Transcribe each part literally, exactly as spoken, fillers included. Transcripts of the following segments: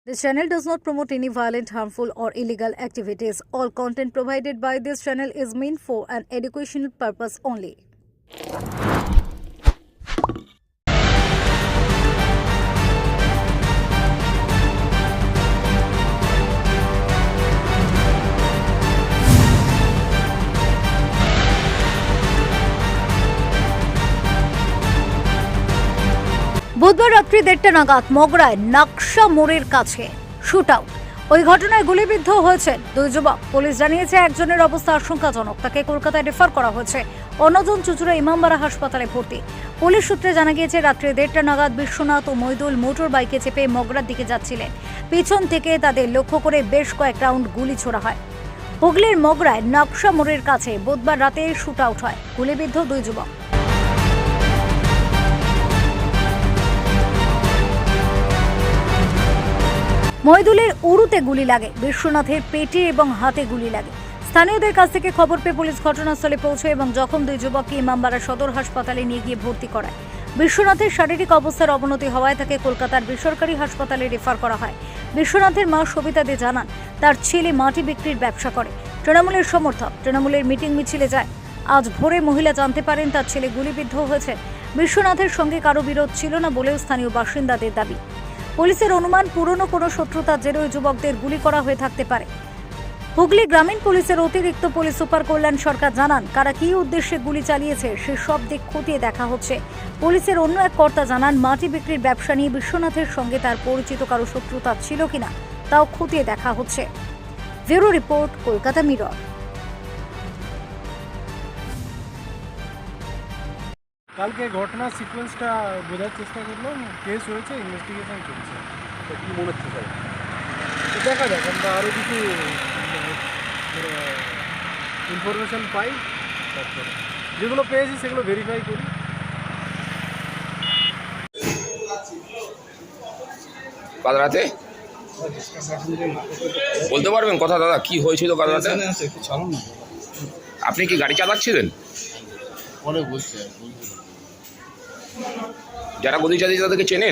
This channel does not promote any violent, harmful, or illegal activities. All content provided by this channel is meant for an educational purpose only. বুধবার রাত্রি দেড়টা নাগাদ মগরায় নাকশা মোড়ের কাছে shoot out. ওই ঘটনায় গুলিবিদ্ধ হয়েছেন দুই যুবক। পুলিশ জানিয়েছে একজনের অবস্থা আশঙ্কাজনক, তাকে কলকাতায় রেফার করা হয়েছে। অন্যজন চুঁচুড়া ইমামবাড়া হাসপাতালে ভর্তি। পুলিশ সূত্রে জানা গিয়েছে রাত্রি দেড়টা নাগাদ বিশ্বনাথ ও মইদুল মোটর বাইকে চেপে মগরার দিকে যাচ্ছিলেন। পিছন থেকে তাদের লক্ষ্য করে বেশ কয়েক রাউন্ড গুলি ছোড়া হয়। হুগলির মগরায় নাকশা মোড়ের কাছে বুধবার রাতে শুট আউট হয়। গুলিবিদ্ধ দুই যুবক। মইদুলের উরুতে গুলি লাগে, বিশ্বনাথের পেটে এবং হাতে গুলি লাগে। স্থানীয়দের কাছ থেকে খবর পেয়ে পুলিশ ঘটনাস্থলে পৌঁছে এবং জখম দুই যুবককে ইমামবাড়া সদর হাসপাতালে নিয়ে গিয়ে ভর্তি করায়। বিশ্বনাথের শারীরিক অবস্থার অবনতি হওয়ায় তাকে কলকাতার বেসরকারি হাসপাতালে রেফার করা হয়। বিশ্বনাথের মা সবিতা দে জানান, তার ছেলে মাটি বিক্রির ব্যবসা করে। তৃণমূলের সমর্থক, তৃণমূলের মিটিং মিছিলে যায়। আজ ভোরে মহিলা জানতে পারেন তার ছেলে গুলিবিদ্ধ হয়েছে। বিশ্বনাথের সঙ্গে কারো বিরোধ ছিল না বলেও স্থানীয় বাসিন্দাদের দাবি। পুলিশের অনুমান পুরনো কোনো শত্রুতার জেরে ওই যুবকদের গুলি করা হয়ে থাকতে পারে। হুগলি গ্রামীণ পুলিশের অতিরিক্ত পুলিশ সুপার কল্যাণ সরকার জানান, কারা কী উদ্দেশ্যে গুলি চালিয়েছে সে সব দিক খতিয়ে দেখা হচ্ছে। পুলিশের অন্য এক কর্তা জানান, মাটি বিক্রির ব্যবসা নিয়ে বিশ্বনাথের সঙ্গে তার পরিচিত কারো শত্রুতা ছিল কিনা তাও খতিয়ে দেখা হচ্ছে। Bureau report, Kolkata Mirror. কালকে ঘটনার সিকোয়েন্সটা বোঝার চেষ্টা করলাম, কেস হয়েছে, ইনভেস্টিগেশন চলছে। কী মনে হচ্ছে স্যার? তো দেখা যাক, আমরা আরও কিছু ইনফরমেশান পাই, তারপরে যেগুলো পেয়েছি সেগুলো ভেরিফাই করি। কাল রাতে বলতে পারবেন কথা দাদা, কি হয়েছিল কাল রাতে? আপনি কি গাড়ি চালাচ্ছিলেন? পরে বলছে যারা গুলি চালিয়েছে তাদেরকে চেনেন?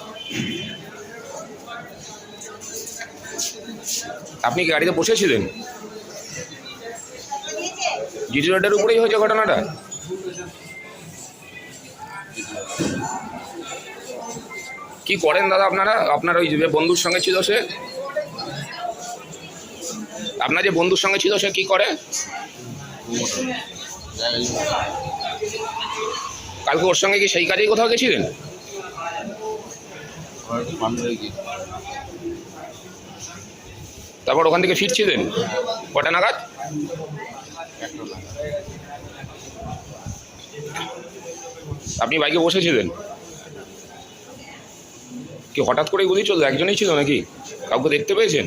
আপনি কি গাড়িতে বসেছিলেন? জিটি রোডের উপরেই হয়েছে ঘটনাটা? কি করেন দাদা আপনারা? আপনার ওই যে বন্ধুর সঙ্গে ছিল সে, আপনার যে বন্ধুর সঙ্গে ছিল সে কি করে? কালকে ওর সঙ্গে কি সেই কাজেই কোথাও গেছিলেন? তারপর ওখান থেকে ফিরছিলেন কটা নাগাদ? আপনি বাইকে বসেছিলেন? কি হঠাৎ করে গুলি চললো? একজনই ছিল নাকি কাউকে দেখতে পেয়েছেন?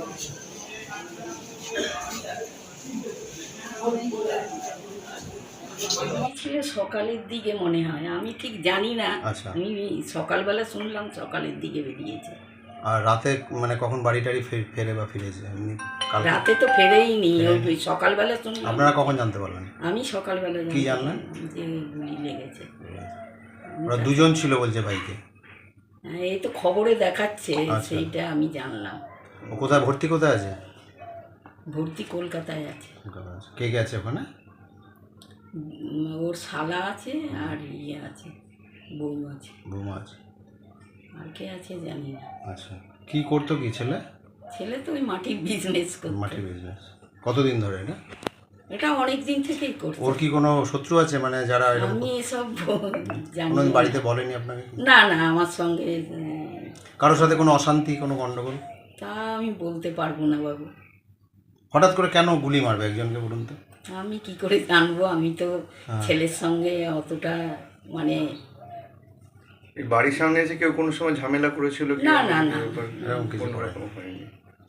ছিল সকালের দিকে মনে হয়, আমি ঠিক জানি না। আচ্ছা। আমি সকালবেলা শুনলাম সকালের দিকে বেরিয়েছে। আর রাতে মানে কখন বাড়ি টাড়ি ফে- ফেরে বা ফিরেছে এমনি কাল? রাতে তো ফেরেই নি, ওই সকালবেলা শুনলাম। আপনারা কখন জানতে পারলেন? আমি সকালবেলা কি জানলেন? যে গুলি লেগেছে। ওরা দুজন ছিল বলছে বাইকে। হ্যাঁ, এই তো খবরে দেখাচ্ছে, আচ্ছা। সেইটা আমি জানলাম। ও কোথায় ভর্তি কোথায় আছে? ভর্তি কলকাতায় আছে। কলকাতায় আছে। কে কে আছে ওখানে? উম, ওর শালা আছে আর ইয়ে আছে, বউ আছে। বৌমা আছে। আর কে আছে জানি না। আচ্ছা, কি করতো কি ছেলে? ছেলে তো ওই মাটির বিজনেস করতো। মাটির বিজনেস। কতদিন ধরে এটা? এটা অনেক দিন থেকেই করতো। ওর কি কোনো শত্রু আছে মানে যারা এরকম? আমি এসব জানি কোনো না। বাড়িতে বলেনি আপনাকে? না না, আমার সঙ্গে আহ, কারোর সাথে কোনো অশান্তি, কোনো গন্ডগোল? তা আমি বলতে পারবো না বাবু। হঠাৎ করে কেন গুলি মারবে একজনকে বলুন তো? আমি কি করে জানবো? আমি তো হ্যাঁ। ছেলের সঙ্গে অতটা মানে এই বাড়ির সামনে এসে কেউ কোনো সময় ঝামেলা করেছিল কি? না, না, না। এরকম কিছু কোনো করে? রকম হয়নি।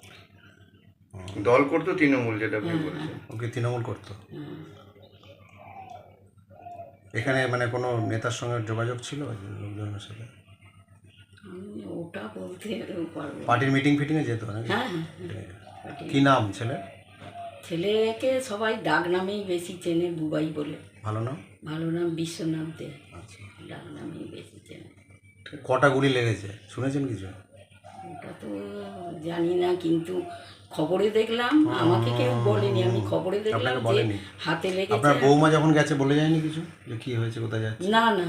দল করতো তৃণমূল, যেটা আপনি বলছেন। ওকে তৃণমূল করতো? হুম, এখানে মানে কোনো নেতার সঙ্গে যোগাযোগ ছিল লোকজনের সাথে? আমি ওটা বলতে পারবো না। পার্টির মিটিং ফিটিংয়ে যেত নাকি? হ্যাঁ হ্যাঁ, কি নাম ছেলে? ছেলেকে সবাই ডাক নামেই বেশি চেনে, বুবাই বলে। ভালো নাম? ভালো নাম বিশ্বনাথ দে, আচ্ছা। ডাক নামেই বেশি চেনে। কটা গুলি লেগেছে শুনেছেন কিছু? ওটা তো জানি না, কিন্তু খবরে দেখলাম, আমাকে কেউ বলেনি, আমি খবরে দেখলাম আপনাকে যে বলেনি? হাতে লেগেছে। আপনার বৌমা যখন গেছে বলে যায়নি কিছু যে কী হয়েছে, কোথায় যাচ্ছে? না না,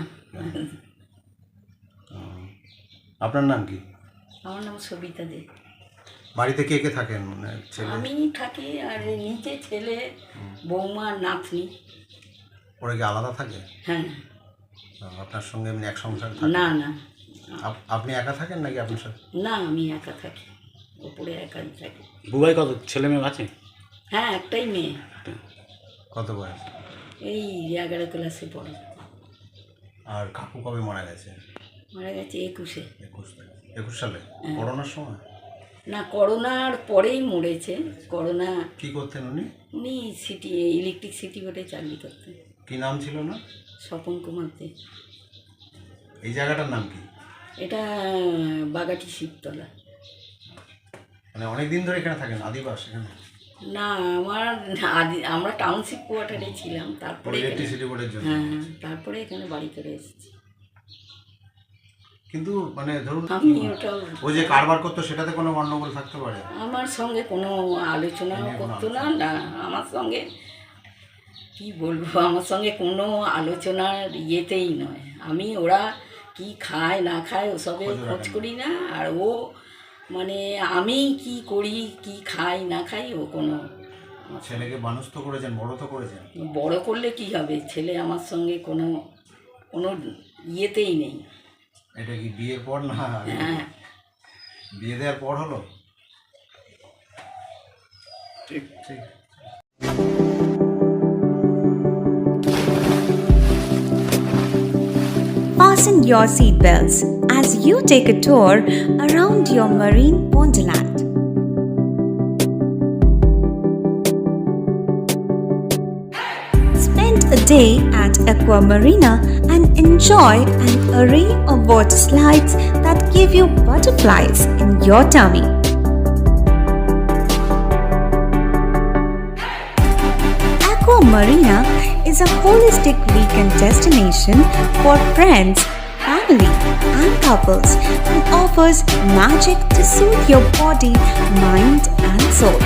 ও। আপনার নাম কি? আমার নাম সবিতা দে। বাড়িতে কে কে থাকেন, মানে ছেলে? আমি থাকি, আর নিচে ছেলে, বৌমা, নাতনি। ওরা কি আলাদা থাকে? হ্যাঁ। ও, আপনার সঙ্গে এমনি এক সংসার থাকে? না না আপ- আপনি একা থাকেন নাকি আপনার সাথে? না, আমি একা থাকি, ওপরে একাই থাকি। বুবাই কত ছেলে মেয়ে আছে? হ্যাঁ, একটাই মেয়ে, কত বয়স? এই এগারো ক্লাসে পড়ে। আর কাকু কবে মারা গেছে? মারা গেছে একুশে। একুশ একুশ সালে করোনার সময়? না, করোনার পরেই মরেছে। করোনা কি করতেন উনি? উনি সিটি ইলেকট্রিক সিটি বোর্ডে চাকরি করতেন। কি নাম ছিল না? স্বপন কুমার দে। এই জায়গাটার নাম কি? এটা বাগাটি শিবতলা। মানে অনেক দিন ধরে এখানে থাকেন, আদিবাস এখানে? না, আমার আদি- আমরা টাউনশিপ কোয়ার্টারে ছিলাম, তারপরে এখানে- ইলেকট্রিসিটি বোর্ডের জন্য? হ্যাঁ হ্যাঁ, তারপরে এখানে বাড়ি করে এসেছি। কিন্তু মানে ধরুন আমি ওটাও ওই যে কারবার করতো সেটাতে কোনো গন্ডগোল থাকতে পারে? আমার সঙ্গে কোনো আলোচনাও করতো না। না, আমার সঙ্গে কি বলবো, আমার সঙ্গে কোনো আলোচনার ইয়েতেই নয়। আমি ওরা কি খায় না খায় ওসবে খোঁজ খোঁজ রাখেন। করি না। আর ও মানে আমি কি করি, কি খাই না খাই, ও কোনো ছেলেকে মানুষ তো করেছেন, বড় তো করেছেন। বড় করলে কি হবে, ছেলে আমার সঙ্গে কোনো কোনো ইয়েতেই নেই। এটা কি বিয়ের পর না হ্যাঁ, বিয়ে দেওয়ার পর হলো? ঠিক ঠিক। Fasten your seatbelts as you take a tour around your marine wonderland. Spend a day at Aqua Marina and enjoy an array of water slides that give you butterflies in your tummy. Aqua Marina is a holistic weekend destination for friends, family, and couples and offers magic to soothe your body, mind, and soul.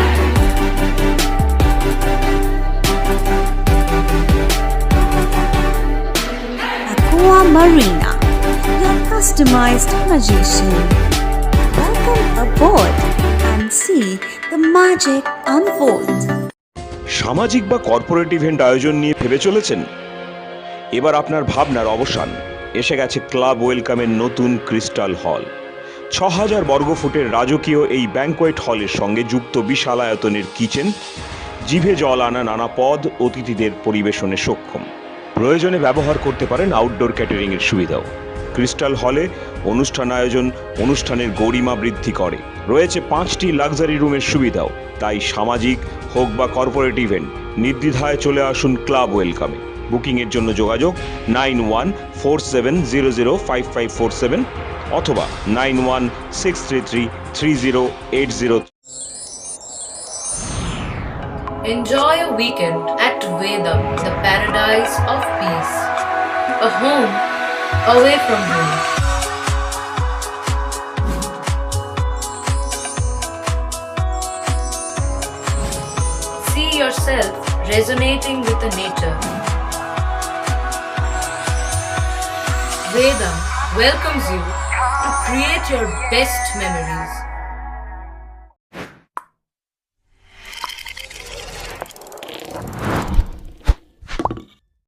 Aqua Marina, your customized magician. Welcome aboard and see the magic unfold. সামাজিক বা corporate event আয়োজন নিয়ে ভেবে চলেছেন? এবার আপনার ভাবনার অবসান। এসে গেছে ক্লাব ওয়েলকামের নতুন ক্রিস্টাল হল। ছ হাজার বর্গফুটের রাজকীয় এই ব্যাংকোয়েট হলের সঙ্গে যুক্ত বিশাল আয়তনের কিচেন, জিভে জল আনা নানা পদ অতিথিদের পরিবেশনে সক্ষম। প্রয়োজনে ব্যবহার করতে পারেন আউটডোর ক্যাটারিংয়ের সুবিধাও। ক্রিস্টাল হলে অনুষ্ঠান আয়োজন অনুষ্ঠানের গরিমা বৃদ্ধি করে। রয়েছে পাঁচটি লাক্সারি রুমের সুবিধাও। তাই সামাজিক হোক বা কর্পোরেট ইভেন্ট, নির্দ্বিধায় চলে আসুন ক্লাব ওয়েলকামে। বুকিংয়ের জন্য যোগাযোগ nine one four seven zero zero five five four seven অথবা nine one six three three three zero eight zero. Enjoy a weekend at Vedam, the paradise of peace. A home away from home. See yourself resonating with the nature. Vedam welcomes you to create your best memories.